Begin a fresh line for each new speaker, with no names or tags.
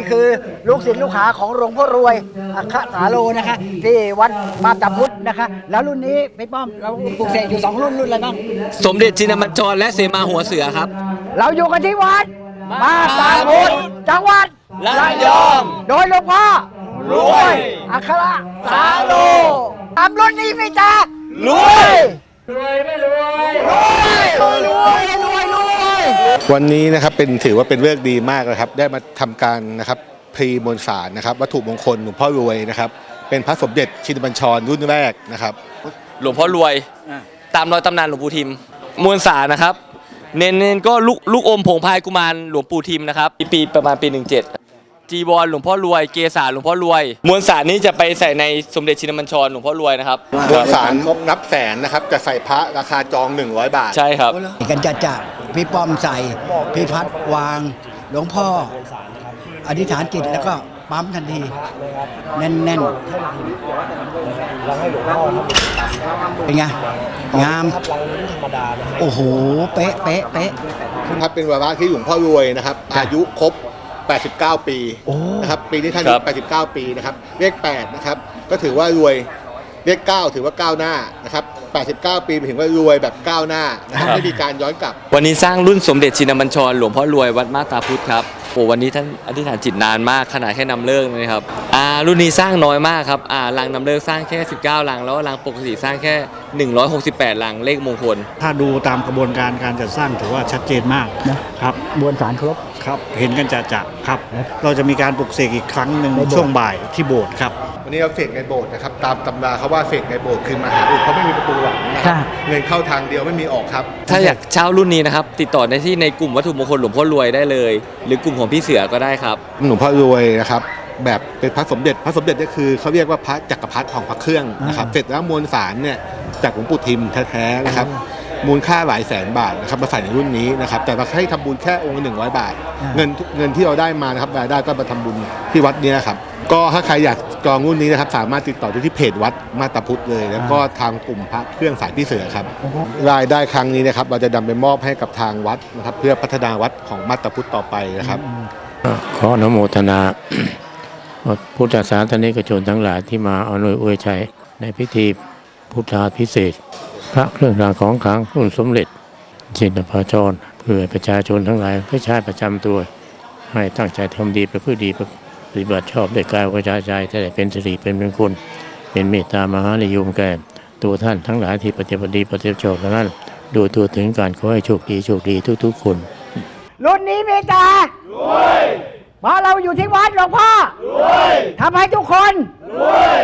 คือลูกศิษย์ลูกหาของหลวงพ่อรวยอัคคสาโลนะคะที่วัดมาตาพุทธนะคะแล้วรุ่นนี้พี่ป้อมเราปลูกเสกอยู่2รุ่นอะไรบ้าง
สมเด็จชินบัญชรและเสมาหัวเสือครับ
เราอยู่กันที่วัดมาตาพุทธจังหวัด
ระยอง
โดยหลวงพ่อรวยอัคคสาโลตามรุ่นนี้ไม่จ้ารวยไม่รวยรวย
วันนี้นะครับถือว่าเป็นเรื่องดีมากนะครับได้มาทำการนะครับพรีมวลสารนะครับวัตถุมงคลหลวงพ่อรวยนะครับเป็นพระสมเด็จชินบัญชรรุ่นแรกนะครับ
หลวงพ่อรวยตามรอยตำนานหลวงปู่ทิมมวลสารนะครับเน้นก็ลูกอมผงพายกุมารหลวงปู่ทิมนะครับปีประมาณปี17จีวรหลวงพ่อรวยเกศาหลวงพ่อรวยมวลสารนี้จะไปใส่ในสมเด็จชินบัญชรหลวงพ่อรวยนะครับ
มวลสารครบนับแสนนะครับจะใส่พระราคาจอง100 บาท
ใช่ครับ
กันจัดพี่ป้อมใส่พี่พัดวางหลวงพ่ออธิษฐานจิตแล้วก็ปั๊มทันทีแน่นเป็นไงงามโอ้โหเป๊ะ
ครับเป็นวาระที่หลวงพ่อรวยนะครับอายุครบ89 ปีนะครับปีนี้ท่านอายุ89 ปีนะครับเลข8นะครับก็ถือว่ารวยเลข9ถือว่าก้าวหน้านะครับ89 ปีหมายถึงว่ารวยแบบก้าวหน้านะครับไม่มีการย้อนกลับ
วันนี้สร้างรุ่นสมเด็จชินบัญชรหลวงพ่อรวยวัดมาตาพุทธครับโอ้วันนี้ท่านอธิษฐานจิตนานมากขนาดแค่นำเลิกนะครับรุ่นนี้สร้างน้อยมากครับลังนำเลิกสร้างแค่19ลังแล้วลังปกติสร้างแค่168ลังเลขมงคล
ถ้าดูตามกระบวนการการจัดสร้างถือว่าชัดเจนมากนะครับ
มวลสารครบ
ครับเห็นกันจะครับเราจะมีการปลุกเสกอีกครั้งหนึ่งช่วงบ่ายที่โบสถ์ครับ
วันนี้เราเสกในโบสถ์นะครับตามตำราเขาว่าเสกในโบสถ์คือมหาอุดเพราะไม่มีประตูหลังนะครับเงินเข้าทางเดียวไม่มีออกครับ
ถ้าอยากเช่ารุ่นนี้นะครับติดต่อได้ที่ในกลุ่มวัตถุมงคลหลวงพ่อรวยได้เลยหรือกลุ่มของพี่เสือก็ได้ครับ
หลวงพ่อรวยนะครับแบบเป็นพระสมเด็จนี่คือเขาเรียกว่าพระจักรพรรดิของพระเครื่องนะครับเสร็จแล้วมวลสารเนี่ยจากหลวงปู่ทิมแท้ๆนะครับมูลค่าหลายแสนบาทนะครับมาใส่ในรุ่นนี้นะครับแต่เราให้ทำบุญแค่องค์100 บาทเงินที่เราได้มานะครับรายได้ก็มาทำบุญที่วัดนี้นะครับก็ถ้าใครอยากจองรุ่นนี้นะครับสามารถติดต่อได้ที่เพจวัดมาตาพุทธเลยแล้วก็ทางกลุ่มพระเครื่องสายพี่เสือครับรายได้ครั้งนี้นะครับเราจะนำไปมอบให้กับทางวัดนะครับเพื่อพัฒนาวัดของมาตาพุทธต่อไปนะครับ
ขออนุโมทนาพุทธศาสนิกชนทั้งหลายที่มาอำนวยอวยชัยในพิธีพุทธาภิเษกพระเครื่องรางของขลังรุ่นสมเด็จชินบัญชรเพื่อประชาชนทั้งหลายเพื่อชาติประจำตัวให้ตั้งใจทำดีประพฤติดีปฏิบัติชอบด้วยกายวาจาใจแต่เป็นสิริเป็นมงคลเป็นเมตตามหานิยมแก่ตัวท่านทั้งหลายที่ปฏิบัติดีปฏิบัติชอบนั้นดูตัวถึงการขอให้โชคดีทุกๆคน
รุ่นนี้เมตตารวยเพราะเราอยู่ที่วัดหลวงพ่อรวยทำให้ทุกคนรวย